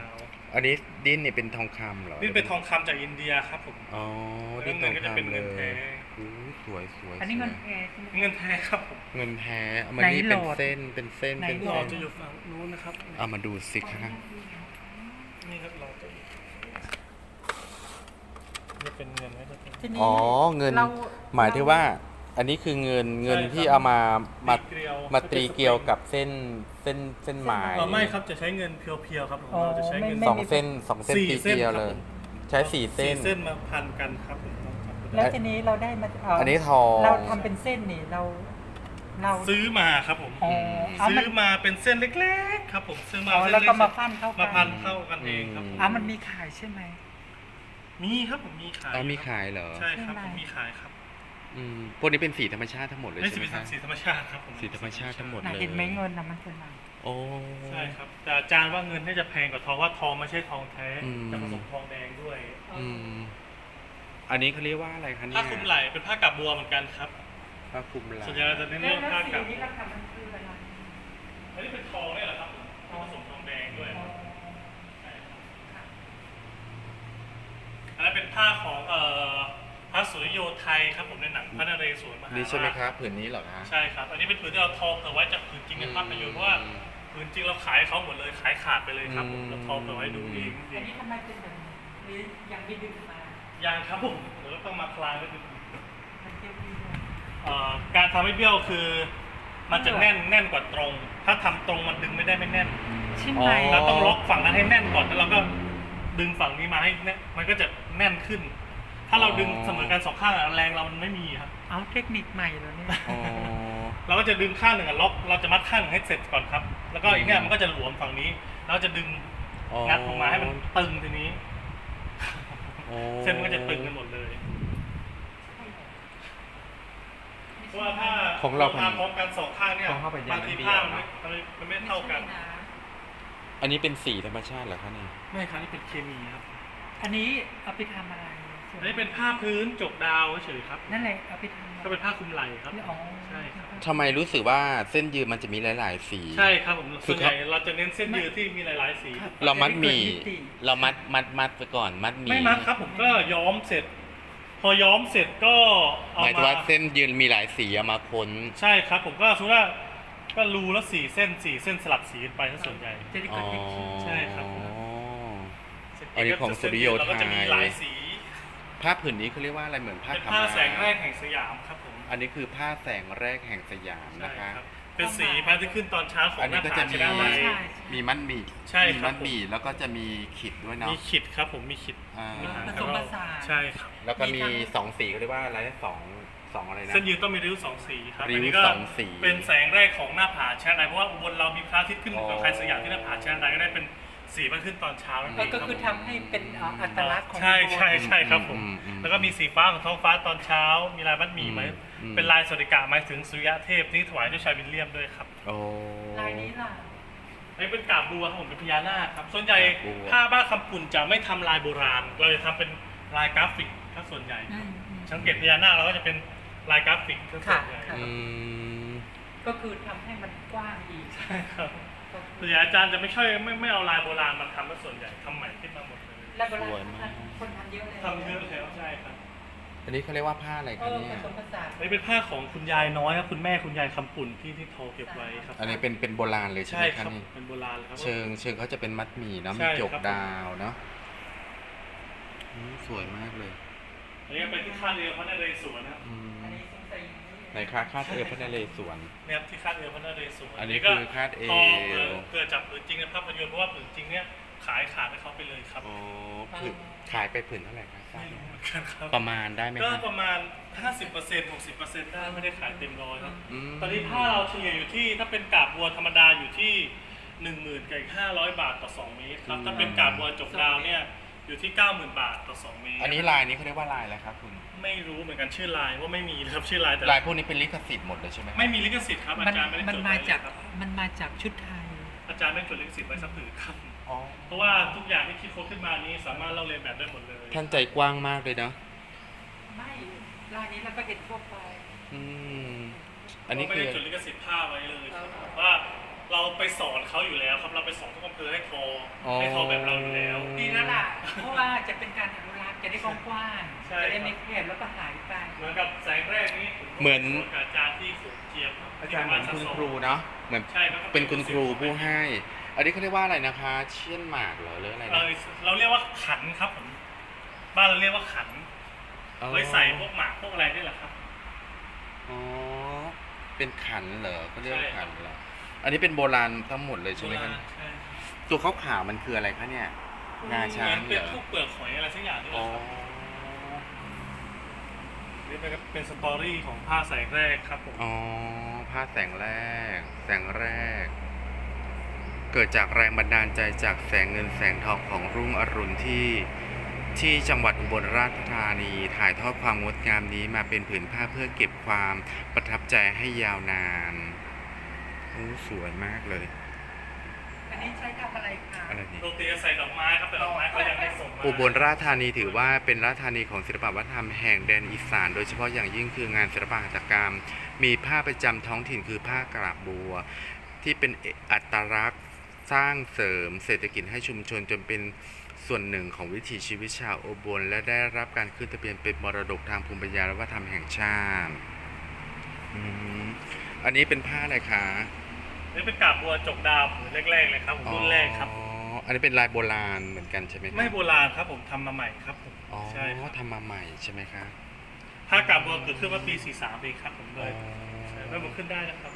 [SPEAKER 1] อันนี้ดิ้นเนี่ยเป็นทองคำเหรอ
[SPEAKER 2] นี่เป็นทองคำจากอินเดียครับผม
[SPEAKER 1] อ๋อ
[SPEAKER 2] แล้ว
[SPEAKER 1] ดิ้น
[SPEAKER 2] เงิ
[SPEAKER 1] ทอน ง
[SPEAKER 2] ก็จะเป็น
[SPEAKER 1] คำเล
[SPEAKER 2] เงินแท้
[SPEAKER 1] ยอู้สวยสวย
[SPEAKER 3] อันนี้เงิน
[SPEAKER 1] สวย
[SPEAKER 3] แท้ใช่ไหม
[SPEAKER 2] เงินแท้ครับผม
[SPEAKER 1] เงินแท้เอามา
[SPEAKER 3] ไหน
[SPEAKER 1] นี่เป็น
[SPEAKER 3] โหลด
[SPEAKER 1] เส้นเป็นเส้น
[SPEAKER 3] ไหน
[SPEAKER 1] เป็น
[SPEAKER 2] หลอ
[SPEAKER 1] เส้น
[SPEAKER 2] ดจะอยู่ฝั่งนู้นนะครับ
[SPEAKER 1] เอามาดูสิคะ
[SPEAKER 2] นี่ครับหลอดจะอยู่นี่เป็นเงินไหมครับ
[SPEAKER 3] ทีนี้
[SPEAKER 1] อ๋อเงิน
[SPEAKER 3] เรา
[SPEAKER 1] หมายถึงว่า อันนี้คือเงินเงิน
[SPEAKER 2] ใช่ครับ
[SPEAKER 1] ที่เอามามา
[SPEAKER 2] เกลียว
[SPEAKER 1] มาตรีเกลียวกับเส้นเส้นเส้นไม้
[SPEAKER 2] เออไม่ครับจะใช้เงินเพียวๆครับผม
[SPEAKER 3] อ๋อ
[SPEAKER 2] เราจะใช้เงิน
[SPEAKER 3] ไม่
[SPEAKER 1] สองเส้นสองเส้น
[SPEAKER 2] สี่
[SPEAKER 1] ตี
[SPEAKER 2] เส้น
[SPEAKER 1] เกลียว
[SPEAKER 2] ครับ
[SPEAKER 1] เลย
[SPEAKER 2] ผม
[SPEAKER 1] ใช้สี่เส้น
[SPEAKER 2] สี่เส้นมาพันกันครับผม
[SPEAKER 3] แล้วทีนี้เราได้มาเ
[SPEAKER 1] อันนี้ทอง
[SPEAKER 3] เราทำเป็นเส้นนี่เรา เรา
[SPEAKER 2] ซื้อมาครับผม
[SPEAKER 3] อ๋อเอา
[SPEAKER 2] ซื้
[SPEAKER 3] มัน
[SPEAKER 2] อมาเป็นเส้นเล็กๆครับผมซื้อมา
[SPEAKER 3] อ๋อ
[SPEAKER 2] เส้น
[SPEAKER 3] แล้ว
[SPEAKER 2] เล็
[SPEAKER 3] ก็
[SPEAKER 2] ก
[SPEAKER 3] มาปั้นเข้ากั
[SPEAKER 2] มาพันเข้ากันเองครับผม
[SPEAKER 3] อ่ะมันมีขายใช่ไหม
[SPEAKER 2] มีครับผมมีขาย
[SPEAKER 1] อ๋อมีขายเหรอ
[SPEAKER 2] ใช่ครับ
[SPEAKER 3] ใช่
[SPEAKER 2] ผม
[SPEAKER 3] ไหม
[SPEAKER 2] มีขายครับ
[SPEAKER 1] อืมพวกนี้เป็นสีธรรมชาติทั้งหมดเลย
[SPEAKER 2] นี่
[SPEAKER 1] ใช่
[SPEAKER 2] จะ
[SPEAKER 1] ไหม
[SPEAKER 2] เป็น
[SPEAKER 1] คะ
[SPEAKER 2] สีธรรมชาติครับผม
[SPEAKER 1] สีธรรมชาติทั้งหมด
[SPEAKER 3] น่ะเห็นไหมเงินนะมันเป็นอะไร
[SPEAKER 1] โอ้
[SPEAKER 2] ใช่ครับแต่อาจารย์ว่าเงินน่าจะแพงกว่าทองว่าทองไม่ใช่ทองแท้
[SPEAKER 1] อืม
[SPEAKER 2] จะผสมทองแดงด้วย
[SPEAKER 1] อืมอันนี้เขาเรียกว่าอะไรคะเนี่ย
[SPEAKER 2] ผ้าคลุมไหล่เป็นผ้ากับบัวเหมือนกันครับ
[SPEAKER 1] ผ้าคลุมไหล่
[SPEAKER 2] ส่วนใหญ่เราจะเน้น
[SPEAKER 3] แล้ว
[SPEAKER 2] เรื่อง
[SPEAKER 3] แล้ว
[SPEAKER 2] ผ้า
[SPEAKER 3] สี
[SPEAKER 2] กับ
[SPEAKER 3] นี้ราคามันคืออะไร
[SPEAKER 2] อันนี้เป็นทองเนี่ยแหละครับผสมทองแดงด้วยใช่ครับอันนั้นเป็นผ้าของเอ่อพระสุริโยไทยครับผมในหนังพระนเรศวรมหาราช
[SPEAKER 1] นี่ใช่ไหมครับผืนนี้เหรอคะ
[SPEAKER 2] ใช่ครับ อันนี้เป็นผืนที่เราทอเผื่อไว้จากผืนจริงในภาพยนตร์เพราะว่าผืนจริงเราขายเขาหมดเลยขายขาดไปเลยครับผมเราทอเผื่อไว้ดูเอง
[SPEAKER 3] อันนี้ทำไมเป็นแบบนี้หรือยังไม่ดึงมา
[SPEAKER 2] ยังครับผมเดี๋ยวเราต้องมาคลายไว้ดู
[SPEAKER 3] มันเตี้ยวๆด้วย
[SPEAKER 2] เอ่อการทำให้เบี้ยวคือ มันจะแน่นแน่นกว่าตรง ถ้าทำตรงมันดึงไม่ได้ไม่แน่น
[SPEAKER 3] ใช่ไหม
[SPEAKER 2] เราต้องล็อกฝั่งนั้นให้แน่นก่อนแล้วเราก็ดึงฝั่งนี้มาให้แน่นมันก็จะแน่นขึ้น ถ้าเราดึงเสมอกันสองข้างอะแรงเรามันไม่มีครับ
[SPEAKER 3] เอาเทคนิคใหม่แล้วเนี่ย
[SPEAKER 1] อ๋อ
[SPEAKER 2] เราก็จะดึงข้างหนึ่งอะล็อกเราจะมัดข้างหนึ่งให้เสร็จก่อนครับ แล้วก็อีกเนี่ยมันก็จะหลวมฝั่งนี้เราจะดึง
[SPEAKER 1] อ๋อ
[SPEAKER 2] งัดออกมาให้มันตึงทีนี้
[SPEAKER 1] อ๋อ
[SPEAKER 2] เส้นมันก็จะตึงกันหมดเลยเพราะว่าถ้า
[SPEAKER 1] ของเรา
[SPEAKER 2] ทำพร้อมกันสองข้างเนี่ย
[SPEAKER 1] ของเข้าไปยัง
[SPEAKER 2] บางที
[SPEAKER 1] ไม่
[SPEAKER 2] ผ้า
[SPEAKER 1] เดี
[SPEAKER 2] มัน
[SPEAKER 1] ยว
[SPEAKER 2] ไม่มันไม่เท่ากัน
[SPEAKER 1] อันนี้เป็นสีธรรมชาติเหรอคะเนี่ย
[SPEAKER 2] ไม่ครับนี่เป็นเคมีครับ
[SPEAKER 3] อันนี้เอาไปทำอะไร
[SPEAKER 2] อันนี้เป็นผ้าพื้นจกดาวเฉยๆครับ
[SPEAKER 3] นั่นแหละเอาไปทำอะไร
[SPEAKER 2] ก็เป็นผ้าคลุมไหล่ครับ
[SPEAKER 3] อ๋อ
[SPEAKER 2] ใช่ครับ
[SPEAKER 1] ทำไมรู้สึกว่าเส้นยืนมันจะมีหลาย ๆ สี
[SPEAKER 2] ใช่ครับผม
[SPEAKER 1] คื
[SPEAKER 2] ส่
[SPEAKER 1] อ
[SPEAKER 2] วนใหญ่เราจะเน้นเส้นยืดที่มีหลายๆสี
[SPEAKER 1] เรามัดหมี่
[SPEAKER 3] จะได้เกิดมิติ
[SPEAKER 1] เรามัดมัดมัดไปก่อนมัดหมี่
[SPEAKER 2] ไม่มัดครับผมก็ย้อมเสร็จ พอย้อมเสร็จก็
[SPEAKER 1] ห
[SPEAKER 2] เอา
[SPEAKER 1] มายถึง
[SPEAKER 2] มา
[SPEAKER 1] ว่าเส้นยืนมีหลายสีเอามาค้น
[SPEAKER 2] ใช่ครับผมก็สมมติว่าก็รูละสี่เส้นสี่เส้นสลับสีกันไปถ้าส่วนใหญ่
[SPEAKER 3] จะได้
[SPEAKER 1] อ๋
[SPEAKER 3] เกิ
[SPEAKER 1] อ
[SPEAKER 3] ดมิติ
[SPEAKER 2] ใช่ครับ
[SPEAKER 1] อันนี้ของสุริโยไทย
[SPEAKER 2] เราก็จะมีหลายสี
[SPEAKER 1] ผ้าผืนนี้เขาเรียกว่าอะไรเหมือนผ้า
[SPEAKER 2] เป็น
[SPEAKER 1] ขาว
[SPEAKER 2] ผ้า
[SPEAKER 1] ม้า
[SPEAKER 2] แสงแรกแห่งสยามครับผม
[SPEAKER 1] อันนี้คือผ้าแสงแรกแห่งสยาม
[SPEAKER 2] ใช่
[SPEAKER 1] นะคะ
[SPEAKER 2] ครับเป็นสีพระอาทิตย์ขึ้นตอนเช้าของ
[SPEAKER 1] อัน
[SPEAKER 2] ห
[SPEAKER 1] นี้
[SPEAKER 2] น้า
[SPEAKER 1] ก็
[SPEAKER 2] ผา
[SPEAKER 1] จะ
[SPEAKER 2] ช
[SPEAKER 1] มี
[SPEAKER 2] นะใด
[SPEAKER 3] ใช่
[SPEAKER 1] มีมัดหมี่
[SPEAKER 2] ใช่
[SPEAKER 1] มี
[SPEAKER 2] ครับ
[SPEAKER 1] มัดหมี่แล้วก็จะมีขีดด้วยเนาะ
[SPEAKER 2] มีขิดครับผมมีขิด
[SPEAKER 1] อ่า
[SPEAKER 2] มีหาง
[SPEAKER 3] ผ
[SPEAKER 2] ก
[SPEAKER 3] ส
[SPEAKER 2] ระ
[SPEAKER 3] ม
[SPEAKER 2] ร
[SPEAKER 3] ผ
[SPEAKER 2] อก
[SPEAKER 3] สาน
[SPEAKER 2] ใช่ครับ
[SPEAKER 1] แล้วก็มีสองสีเขาเรียกว่าอะไรนะสองสองอะไรนะ
[SPEAKER 2] เส้นยืนต้องมีริ้วสองสีครับ
[SPEAKER 1] ริ้ว
[SPEAKER 2] อันนี้ก็
[SPEAKER 1] สองสี
[SPEAKER 2] เป็นแสงแรกของหน้าผาชนะใดเพราะว่าอุบลเรามีพระอาทิตย์ขึ้น
[SPEAKER 1] อ๋อ
[SPEAKER 2] กับใครสยามที่หน้าผาชนะใดก็ได้เป็นสีมันขึ้นตอนเช้านั่นเอ
[SPEAKER 3] ก็
[SPEAKER 2] ง
[SPEAKER 3] ก็
[SPEAKER 2] รับ
[SPEAKER 3] คือ
[SPEAKER 2] ผม
[SPEAKER 3] ทำให้เป็นเอ่ออัตลักษณ์ของ
[SPEAKER 2] ใช่ใช่ใช่ครับผม
[SPEAKER 1] อืมอืม
[SPEAKER 2] แล้วก็มีสีฟ้าของท้องฟ้าตอนเช้า มีลายมัดหมี่ไหม
[SPEAKER 1] อืม
[SPEAKER 2] เป็นลายสวัสดิกะหมายถึงสุริยะเทพที่ถวายด้วยชายวิลเลียมด้วยครับ
[SPEAKER 1] โอ้
[SPEAKER 3] ลายนี้ล่ะ
[SPEAKER 2] อันนี้เป็นกาบบัวครับผมเป็นพญานาคครับส่วนใหญ่
[SPEAKER 1] กาบบัว
[SPEAKER 2] ผ้าบ้านคำปุ่นจะไม่ทำลายโบราณ เราจะทำเป็นลายกราฟิกถ้าส่วนใหญ่
[SPEAKER 3] อืมอืม
[SPEAKER 2] สังเกตพญานาคเราก็จะเป็นลายกราฟิกถ้าส่วนใหญ่
[SPEAKER 3] ค่ะ
[SPEAKER 1] อืม
[SPEAKER 3] ก็คือทำให้มันกว้างอีก
[SPEAKER 2] ใช่ครับส่วนใหญ่อาจารย์จะไม่ช่วยไม่ไม่เอาลายโบราณมาทำแล้วส่วนใหญ่ทำใหม่ขึ้นมาหมดเลย
[SPEAKER 3] แล้วเวลา
[SPEAKER 1] สวยมาก
[SPEAKER 3] คนทำเยอะเลย
[SPEAKER 2] ทำเยอะเลยใช่ครับ
[SPEAKER 1] อันนี้เขาเรียกว่าผ้าอะไร
[SPEAKER 3] เอ
[SPEAKER 1] คะ
[SPEAKER 3] อ
[SPEAKER 1] เนี่
[SPEAKER 3] ผ
[SPEAKER 1] ย
[SPEAKER 3] สมผสาน
[SPEAKER 2] อันนี้เป็นผ้าของคุณยายน้อยครับคุณแม่คุณยายคำปุ่นที่ที่ทอเก็บไว้ครับ
[SPEAKER 1] อันนี้เป็นเป็นโบราณเลยใช่
[SPEAKER 2] ใช่
[SPEAKER 1] ไหม
[SPEAKER 2] ครั
[SPEAKER 1] คะ
[SPEAKER 2] บ
[SPEAKER 1] นี่
[SPEAKER 2] เป็นโบราณเลยครับ
[SPEAKER 1] เชิงเชิงเขาจะเป็นมัดหมี่เนาะ
[SPEAKER 2] ใช่
[SPEAKER 1] มีจก
[SPEAKER 2] ครับ
[SPEAKER 1] ดาวเนาะอืมสวยมากเลย
[SPEAKER 2] อันนี้เป็นที่คาดเอวพระนเรศวรนะครับ
[SPEAKER 1] อืม
[SPEAKER 3] อันนี้สงสัย
[SPEAKER 1] ไหนคะคาดเอวพระนเรศวร
[SPEAKER 2] เนี่ยครับที่คาดเอวพระนเรศวร
[SPEAKER 1] อันนี้
[SPEAKER 2] ก็
[SPEAKER 1] คือคาดเอว
[SPEAKER 2] ทอเกิดเกิดจากผืนจริงในภาพยนตร์เพราะว่าผืนจริงเนี่ยขายขาดให้เขาไปเลยครับ
[SPEAKER 1] อ๋อผืนขายไปผืนเท่าไหร่คะทราบ
[SPEAKER 2] ไม่
[SPEAKER 1] ไหม
[SPEAKER 2] รู้เหมือนกันครับ
[SPEAKER 1] ประมาณได้ไหม
[SPEAKER 2] ก็
[SPEAKER 1] คะ
[SPEAKER 2] ประมาณ ห้าสิบเปอร์เซ็นต์ หกสิบเปอร์เซ็นต์ ได้ไม่ได้ขายเต็มร้อยครับ
[SPEAKER 1] ม
[SPEAKER 2] ตอนนี้ผ้าเราเฉลี่ยอยู่ที่ถ้าเป็นกาบบัวธรรมดาอยู่ที่ หนึ่งหมื่นกับอีกห้าร้อยบาทต่อสองเมตรครับถ้าเป็นกาบบัวจกดาวเนี่ยอยู่ที่ เก้าหมื่นบาทต่อสองเมตร
[SPEAKER 1] อันนี้ลายนี้เขาเรียกว่าลายอะไรครับคุณ
[SPEAKER 2] ไม่รู้เหมือนกันชื่อลายว่าไม่มีนะครับชื่อลายแต่
[SPEAKER 1] ลายพวกนี้เป็นลิขสิทธิ์หมดเลยใช่ไหม
[SPEAKER 2] ไม่มีลิขสิทธิ์ครับอา
[SPEAKER 3] มัน
[SPEAKER 2] จารย์ไม่ได้
[SPEAKER 3] มัน
[SPEAKER 2] จด
[SPEAKER 3] มา
[SPEAKER 2] ไว้
[SPEAKER 3] จาก
[SPEAKER 2] ครับ
[SPEAKER 3] มันมาจากชุดไทย
[SPEAKER 2] อาจารย์ไม่ได้จดลิขสิทธิ์ไว้สักผืนครับ
[SPEAKER 1] อ๋อ
[SPEAKER 2] เพราะว่าทุกอย่างที่คิดค้นขึ้นมานี้สามารถเล่าเรียนแบบได้หมดเลย
[SPEAKER 1] ท่านใจกว้างมากเลยเนาะ
[SPEAKER 3] ไม่ลายนี้เราก็เห็นทั่วไป
[SPEAKER 1] อืมอันนี้
[SPEAKER 2] ไม่
[SPEAKER 1] คือ
[SPEAKER 2] ได้จดลิขสิทธิ์ผ้าไว้เลยครับ
[SPEAKER 3] เออ
[SPEAKER 2] ว่าเราไปสอนเขาอยู่แล้วครับเราไปสอนทุกอำเภอให้ทอให้ทอแบบเราอยู่แล้ว
[SPEAKER 3] ดีแล้วล่ะ เพราะว่าจะเป็นการอนุรักษ์จะได้กว้าง
[SPEAKER 2] ใช่
[SPEAKER 3] ๆจะได้ไม่แคบแล้วก็หายไป
[SPEAKER 2] เหมือนกับแสงแรกนี้
[SPEAKER 1] เหมือน
[SPEAKER 2] กับอาจารย์ที่สูงเจียม
[SPEAKER 1] อาจารย์เหมือนคุณครูเนาะเหมือน
[SPEAKER 2] ใช่ครับ
[SPEAKER 1] เป็นคุณครูผู้ให้ อันนี้เขาเรียกว่าอะไรนะคะ เชี่ยนหมากเหรอหรืออะไร
[SPEAKER 2] เอ
[SPEAKER 1] นะ
[SPEAKER 2] อเราเรียกว่าขันครับผมบ้านเราเรียกว่าขัน
[SPEAKER 1] อ๋อ
[SPEAKER 2] ไว้ใส่พวกหมากพวกอะไรนี่แหละครับ
[SPEAKER 1] อ๋อเป็นขันเหรอเขาเรียกว่า
[SPEAKER 2] ใช่ครั
[SPEAKER 1] ขั
[SPEAKER 2] บ
[SPEAKER 1] นเหรออันนี้เป็นโบราณทั้งหมดเลยใช่ไหมครับ
[SPEAKER 2] ใช่
[SPEAKER 1] ตัวขาวขาวๆมันคืออะไรคะเนี่ยงาช้าง
[SPEAKER 2] เหมือน
[SPEAKER 1] เห
[SPEAKER 2] เป็
[SPEAKER 1] ร
[SPEAKER 2] น
[SPEAKER 1] อ
[SPEAKER 2] พวกเปลือกหอยอะไรสักอย่างนี่แห
[SPEAKER 1] อ๋อ
[SPEAKER 2] ละครับนี่เป็นเป็นสตอรี่ของผ้าแสงแรกครับผม
[SPEAKER 1] อ๋อผ้าแสงแรก แสงแรก เกิดจากแรงบันดาลใจจากแสงเงินแสงทองของรุ่งอรุณที่ที่จังหวัดอุบลราชธานีถ่ายทอดความงดงามนี้มาเป็นผืนผ้าเพื่อเก็บความประทับใจให้ยาวนานโอ้สวยมากเลย
[SPEAKER 3] อันนี้ใช้ทำอะไรคะ
[SPEAKER 1] อะไรนี่
[SPEAKER 2] โรตีจะใส่ดอกไม้ครับแต่ดอกไม้เขายังไม่ส่งมา
[SPEAKER 1] อุบลราชธานีถือว่าเป็นราชธานีของศิลปวัฒนธรรมแห่งแดนอีสาน โดยเฉพาะอย่างยิ่งคืองานศิลปหัตถกรรม มีผ้าประจำท้องถิ่นคือผ้ากระบัว ที่เป็นอัตลักษณ์สร้างเสริมเศรษฐกิจให้ชุมชนจนเป็นส่วนหนึ่งของวิถีชีวิตชาวอุบลและได้รับการขึ้นทะเบียนเป็นมรดกทางภูมิปัญญาและวัฒนธรรมแห่งชาติอืมอันนี้เป็นผ้าอะไรคะ
[SPEAKER 2] นี่เป็นกาบบัวจกดาวผืนแรกๆเลยครับผมรุ่นแรกครับ
[SPEAKER 1] อ๋ออันนี้เป็นลายโบราณเหมือนกันใช่ไหมคะ
[SPEAKER 2] ไม่โบราณครับผมทำมาใหม่ครับผม
[SPEAKER 1] อ๋อ
[SPEAKER 2] ใช่ครับ
[SPEAKER 1] ทำมาใหม่ใช่ไหมคะ
[SPEAKER 2] ผ้ากาบบัวเกิดขึ้นเมื่อปีสี่สิบสามเองครับผมเล
[SPEAKER 1] อ๋อย
[SPEAKER 2] ใช่ไม่บุกขึ้นได้นะครับ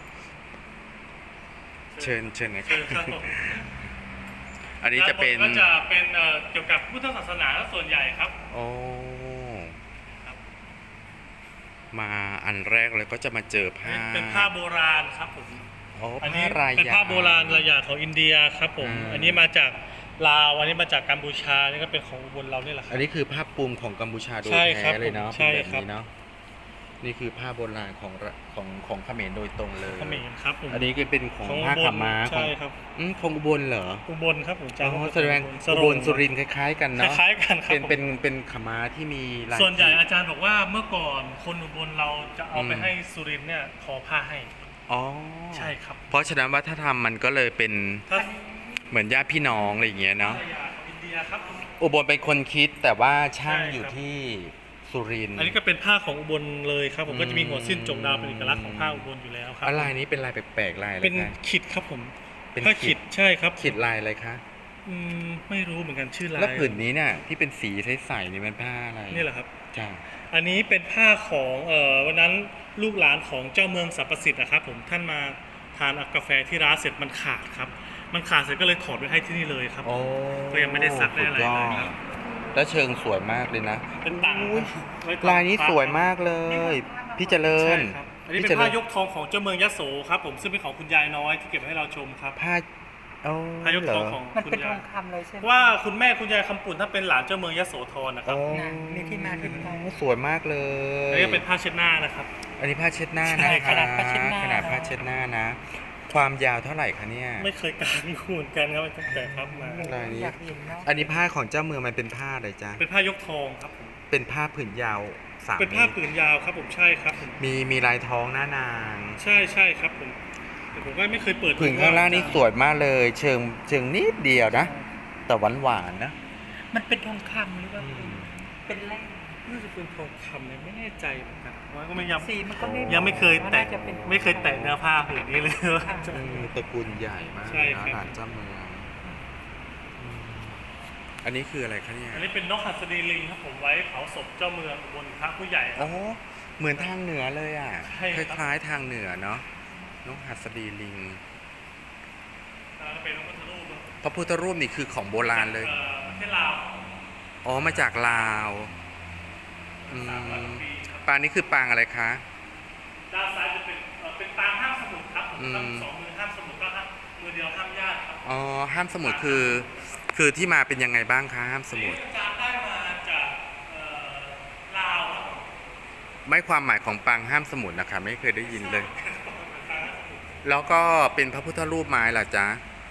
[SPEAKER 1] เชิญเชิญนะครั
[SPEAKER 2] เชิ
[SPEAKER 1] บ
[SPEAKER 2] ญครับผม
[SPEAKER 1] อันนี้จะเป็น
[SPEAKER 2] ด้าบก็จะเป็นเอ่อเกี่ยวกับพุทธศาสนาส่วนใหญ่ครับ
[SPEAKER 1] โอ้
[SPEAKER 2] ครับ
[SPEAKER 1] มาอันแรกเลยก็จะมาเจอผ้า
[SPEAKER 2] เป็นผ้าโบราณครับผม
[SPEAKER 1] อ๋อ
[SPEAKER 2] อัน
[SPEAKER 1] ผ้า
[SPEAKER 2] นี้
[SPEAKER 1] ราย
[SPEAKER 2] เป็น
[SPEAKER 1] ยา
[SPEAKER 2] ผ้าโบราณรายอย่างของอินเดียครับผม
[SPEAKER 1] อ่า
[SPEAKER 2] อันนี้มาจากลาวอันนี้มาจากกัมพูชานี่ก็เป็นของอุบลเราเนี่ยแหละครั
[SPEAKER 1] อันนี้คือผ้าปูมของกัมพูชาโดย
[SPEAKER 2] ใช่ครั
[SPEAKER 1] แท้
[SPEAKER 2] บ
[SPEAKER 1] เลยเนาะ
[SPEAKER 2] ผมใช่
[SPEAKER 1] เป็นแบบ
[SPEAKER 2] ครับ
[SPEAKER 1] นี้เนาะนี่คือผ้าโบราณของระของของเขมรโดยตรงเลย
[SPEAKER 2] เขมรครับผม
[SPEAKER 1] อันนี้ก็เป็นของ
[SPEAKER 2] ของ
[SPEAKER 1] ผ้า
[SPEAKER 2] อุบล
[SPEAKER 1] ขาวม้าขอ
[SPEAKER 2] ใช่
[SPEAKER 1] ง
[SPEAKER 2] ครับ
[SPEAKER 1] อืมของอุบลเหรอ
[SPEAKER 2] อุบลครับผม
[SPEAKER 1] อ๋อ
[SPEAKER 2] จำ
[SPEAKER 1] แสดง
[SPEAKER 2] ส
[SPEAKER 1] อุ
[SPEAKER 2] โร
[SPEAKER 1] บ
[SPEAKER 2] ง
[SPEAKER 1] ลสุรินทร์คล้าย ๆ กัน
[SPEAKER 2] ค
[SPEAKER 1] เนาะ
[SPEAKER 2] ล้ายๆกันครับ
[SPEAKER 1] เป็น
[SPEAKER 2] ผม
[SPEAKER 1] เป็นเป็นขาวม้าที่มีลาย
[SPEAKER 2] ส่วนใหญ่
[SPEAKER 1] ขีด
[SPEAKER 2] อาจารย์บอกว่าเมื่อก่อนคนอุบลเราจะเอาไป
[SPEAKER 1] อืม
[SPEAKER 2] ให้สุรินทร์เนี่ยทอผ้าให้
[SPEAKER 1] อ๋อ
[SPEAKER 2] ใช่ครับ
[SPEAKER 1] เพราะฉะนั้นวัฒนธรรมมันก็เลยเป็น
[SPEAKER 2] ถ้า
[SPEAKER 1] เหมือนญาติพี่น้องอะไรอย่างเงี้ยเนาะ
[SPEAKER 2] ภรรยาของอินเดียครับ
[SPEAKER 1] อุบลเป็นคนคิดแต่ว่าช่าง
[SPEAKER 2] ใช่ครับ
[SPEAKER 1] อยู่ที่สุรินทร์
[SPEAKER 2] อันนี้ก็เป็นผ้าของอุบลเลยครับผม
[SPEAKER 1] อืม
[SPEAKER 2] ก็จะมีหัวสิ้นจงดาวเป็นเอกลักษณ์ของผ้าอุบลอยู่แล้วครับ
[SPEAKER 1] อะไรนี้เป็นลายแปลกๆลายอะไร
[SPEAKER 2] เป็น
[SPEAKER 1] คะ
[SPEAKER 2] ขิดครับผม
[SPEAKER 1] เป็น
[SPEAKER 2] ผ้า
[SPEAKER 1] ขิ
[SPEAKER 2] ขิ
[SPEAKER 1] ด
[SPEAKER 2] ดใช่ครับ
[SPEAKER 1] ขีดลายอะไรคะ
[SPEAKER 2] อืมไม่รู้เหมือนกันชื่อลาย
[SPEAKER 1] แล้วผืนนี้เนี่ยที่เป็นสีใสๆนี่มันผ้าอะไร
[SPEAKER 2] นี่แหละครับ
[SPEAKER 1] จ้า
[SPEAKER 2] อันนี้เป็นผ้าของเอ่อวันนั้นลูกหลานของเจ้าเมืองสรรพสิทธิ์นะครับผมท่านมาทานกาแฟที่ร้านเสร็จมันขาดครับ มันขาดเสร็จก็เลยถอดไว้ให้ที่นี่เลยครับ
[SPEAKER 1] โอ้
[SPEAKER 2] ก็ยังไม่ได้ซักได้อะไร
[SPEAKER 1] สุย
[SPEAKER 2] เลย
[SPEAKER 1] อด
[SPEAKER 2] ครับ
[SPEAKER 1] แล้วเชิงสวยมากเลยนะ
[SPEAKER 2] เป็นต่าง
[SPEAKER 1] อุ๊ย
[SPEAKER 2] ไว้ต่าง
[SPEAKER 1] ลายนี้สวยมากเลย พี่เจริ
[SPEAKER 2] ใช่
[SPEAKER 1] ญ
[SPEAKER 2] ครับอันนี้
[SPEAKER 1] พี่
[SPEAKER 2] เป็น
[SPEAKER 1] เจริ
[SPEAKER 2] ผ้า
[SPEAKER 1] ญ
[SPEAKER 2] ยกทองของเจ้าเมืองยโสครับผมซึ่งเป็นของคุณยายน้อยที่เก็บให้เราชมครับ
[SPEAKER 1] ผ้าโอ้
[SPEAKER 2] ผ้ายก
[SPEAKER 1] เหร
[SPEAKER 2] ท
[SPEAKER 1] อ
[SPEAKER 2] องของ
[SPEAKER 3] มัน
[SPEAKER 2] คุณ
[SPEAKER 3] เป็นท
[SPEAKER 2] ยา
[SPEAKER 3] อย งคำเลยใช่ไหม
[SPEAKER 2] ว่าคุณแม่คุณยายคำปุ่นถ้าเป็นหลานเจ้าเมืองยโสธรนะครับ
[SPEAKER 1] โอ้
[SPEAKER 3] น่ะมีที่มาที่ไป
[SPEAKER 1] สวยมากเล
[SPEAKER 2] อัน
[SPEAKER 1] ย
[SPEAKER 2] นี้เป็นผ้าเช็ดหน้านะครับ
[SPEAKER 1] อันนี้ผ้าเช็ดหน้า
[SPEAKER 2] ใช่
[SPEAKER 1] นะ
[SPEAKER 2] ข
[SPEAKER 1] คะ
[SPEAKER 2] นาด
[SPEAKER 3] ผ้าเช็ดหน้า
[SPEAKER 1] ขนาดผ้าเช็ดหน้านะ ความยาวเท่าไหร่คะเนี่ย
[SPEAKER 2] ไม่เคยกางคูนกันครับตั้งแต่ครับมา
[SPEAKER 1] ลายนี้
[SPEAKER 3] อยากเห็นเนาะ
[SPEAKER 1] อันนี้ผ้าของเจ้าเมืองมันเป็นผ้าอะไรจ๊ะ
[SPEAKER 2] เป็นผ้ายกทองครับผม
[SPEAKER 1] เป็นผ้าผืนยาวสาม
[SPEAKER 2] เป็น
[SPEAKER 1] เม
[SPEAKER 2] ผ้า
[SPEAKER 1] ตร
[SPEAKER 2] ผืนยาวครับผมใช่ครับผม
[SPEAKER 1] มีมีลายท้องหน้านาง
[SPEAKER 2] ใช่ใช่ครับผมแต่ผมก็ไม่เคยเปิด
[SPEAKER 1] ผืนข้างล่างนี่สวยมากเลย เชิงเชิงนิดเดียวนะ แต่หวานหวานๆนะ
[SPEAKER 3] มันเป็นทองคำหรือว่า
[SPEAKER 1] อืม
[SPEAKER 3] เป็นแร่
[SPEAKER 2] น่าจะเป็นทองคำเลยไม่แน่ใจเหมือนกันว่าก็ไม่ยัง
[SPEAKER 3] สีมันก็ไม่
[SPEAKER 2] ยังไม่เคยแตะ
[SPEAKER 3] น่าจะเป็น
[SPEAKER 2] ไม่เคยแตะเนื้อผ้าผืนนี้เลยว่า
[SPEAKER 3] ค่ะ
[SPEAKER 1] อืมตระกูลใหญ่มาก
[SPEAKER 2] ใช่
[SPEAKER 1] นะครับ หลานเจ้าเมืองอืมอันนี้คืออะไรคะเนี่ย
[SPEAKER 2] อันนี้เป็นนกหัสดีลิงครับผมไว้เผาศพเจ้าเมืองบนพระผู้ใหญ่ครั
[SPEAKER 1] อ๋
[SPEAKER 2] บ
[SPEAKER 1] อเหมือนทางเหนือเลยอ่ะ
[SPEAKER 2] ใช่
[SPEAKER 1] ค
[SPEAKER 2] ครับ
[SPEAKER 1] ล้ายๆทางเหนือเนาะนกหัสดีลิง
[SPEAKER 2] แล้วก็เป็นนกพุทธรูป
[SPEAKER 1] พระพุทธรูปนี่คือของโบราณเลย
[SPEAKER 2] อ่อประเทศลาว
[SPEAKER 1] อ๋อ มาจากลาวอื
[SPEAKER 2] สามร้อย
[SPEAKER 1] ม
[SPEAKER 2] กว่าปีครับ
[SPEAKER 1] ปางนี้คือปางอะไรคะ
[SPEAKER 2] ด้านซ้ายจะเป็นเอ่อเป็นปางห้ามสมุดครับผม
[SPEAKER 1] อืม
[SPEAKER 2] ทั้งสองมือห้ามสมุดก็ห้ามมือเดียวห้ามญาติครับ
[SPEAKER 1] อ๋อ ห้ามสมุดคือ คือที่มาเป็นยังไงบ้างคะห้ามสมุด
[SPEAKER 2] นี่อาจารย์ได้มาจากเอ่อลาวครับผม
[SPEAKER 1] ไม่ความหมายของปางห้ามสมุดนะคะ ไม่เคยได้ยินเลย แล้วก็เป็นพระพุทธรูปไม้ล่ะจ๊ะ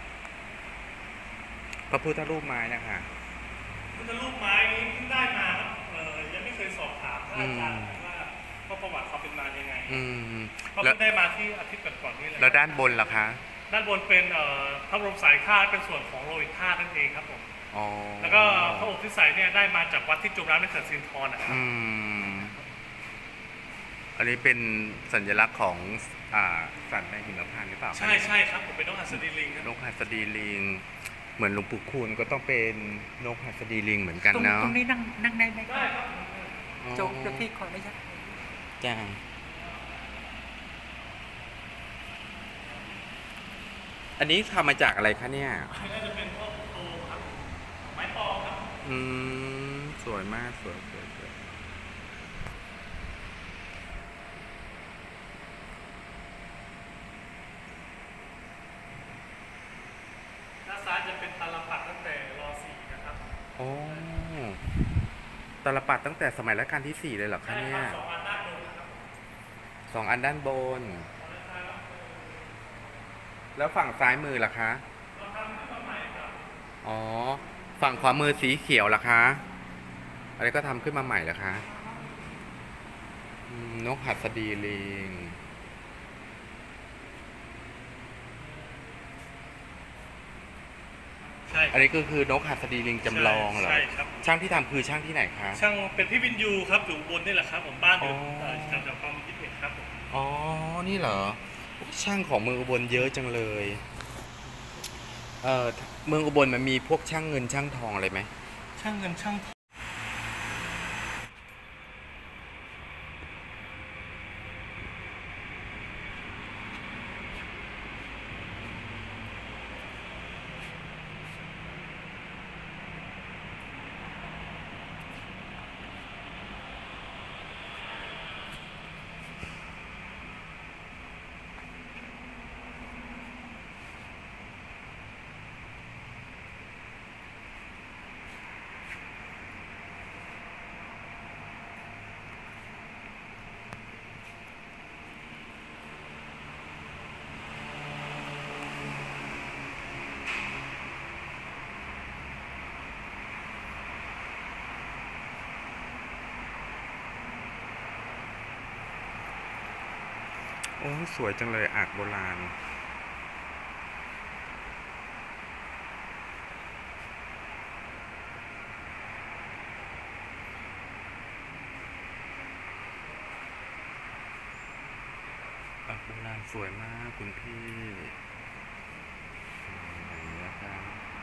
[SPEAKER 1] พระพุทธรูปไม้นะคะ
[SPEAKER 2] พุทธรูปไม้นี้เพิ่งได้มาครับเอ่อยังไม่เคยสอบถามพระอาจารย์ว่าว่าประวัติเขาเป็นมายังไง
[SPEAKER 1] อืม
[SPEAKER 2] เขา
[SPEAKER 1] แล้ว
[SPEAKER 2] เพิ่งได้มาที่อาทิตย์ก่อนๆนี่เลย
[SPEAKER 1] แล้วด้านบนล่ะคะ
[SPEAKER 2] ดด้านบนเป็นเอ่อพระบรมสายธาตุเป็นส่วนของโลหิตธาตุนั่นเองครับผม
[SPEAKER 1] อ๋อ
[SPEAKER 2] แล้วก็พระอบที่ใส่เนี่ยได้มาจากวัดที่จมน้ำในเขื่อนสิรินธรนะครับ
[SPEAKER 1] อืมอันนี้เป็นสัญลักษณ์ของอ่าสัตว์ในหิมพานต์หรือเปล่าคะ
[SPEAKER 2] ใช่ใช่ครับผมเป็นนกหัสดีลิงครับ
[SPEAKER 1] นกหัสดีลิง เหมือนหลวงปู่คูณก็ต้องเป็นนกหัสดีลิงเหมือนกัน
[SPEAKER 3] ตรง
[SPEAKER 1] เนาะ
[SPEAKER 3] ตรงนี้นั่งนั่งได้ไหมค
[SPEAKER 2] ได้
[SPEAKER 3] รับ
[SPEAKER 2] ครับ
[SPEAKER 3] โจกเดี๋ยวพี่ขออนุญาต
[SPEAKER 1] จ้าอันนี้ทำมาจากอะไรคะเนี่ย
[SPEAKER 2] น่าจะเป็นพวกโตครับไม้ปอครับ
[SPEAKER 1] อืม สวยมากสวยสวยสวย
[SPEAKER 2] ด้านซ้ายจะเป็นตาลปัดตั้งแต่รอสี่นะครับ
[SPEAKER 1] โอ้ตาลปัดตั้งแต่สมัยรัชกาลที่สี่เลยเหรอคะ
[SPEAKER 2] ใช่
[SPEAKER 1] เนี่
[SPEAKER 2] ครั
[SPEAKER 1] ย
[SPEAKER 2] บสองอันด้านบนนะครับ
[SPEAKER 1] สองอันด้านบน แล้วฝั่งซ้ายมือล่ะคะ
[SPEAKER 2] เราทำขึ้นมาใหม่ครับ
[SPEAKER 1] อ๋อ ฝั่งขวามือสีเขียวล่ะคะอะไรก็ทำขึ้นมาใหม่ล่ะคะอืมนกหัสดีลิง
[SPEAKER 2] ใช่
[SPEAKER 1] อันนี้ก็คือนกหัสดีลิงจำลองเหรอ
[SPEAKER 2] ใช่ครับ
[SPEAKER 1] ช่างที่ทำคือช่างที่ไหนคะ
[SPEAKER 2] ช่างเป็นพี่วินยูครับอยู่บนนี่แหละครับผมบ้านอยู่
[SPEAKER 1] อ๋อ
[SPEAKER 2] เอ่อแถวๆคลองยี่สิบเอ็ดครับผม
[SPEAKER 1] อ๋อ นี่เหรอ ช่างของเมืองอุบลเยอะจังเลย เอ่อ เมืองอุบลมันมีพวกช่างเงินช่างทองอะไรไหม
[SPEAKER 2] ช่างเงินช่างทอง
[SPEAKER 1] โอ้สวยจังเลยอาร์ตโบราณ อาร์ตโบราณสวยมากคุณพี่อย่างนี้นะครับ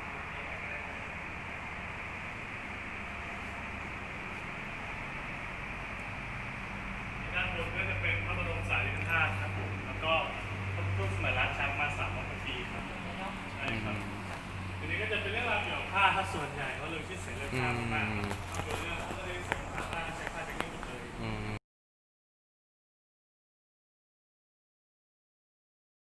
[SPEAKER 2] ด้านบนก็จะเป็นพระบรมสารีริกธาตุครับผมแล้วก็พระพุทธสมัยรัชกาลมาสามร้อยปีครับใช่ครับทีนี้ก็จะเป็นเรื่องราวเกี่ยวกับผ้าถ้าส่วนใหญ่เพราะเรื่องที่เสรีภาพมากๆครับเอาเป็นเรื่อง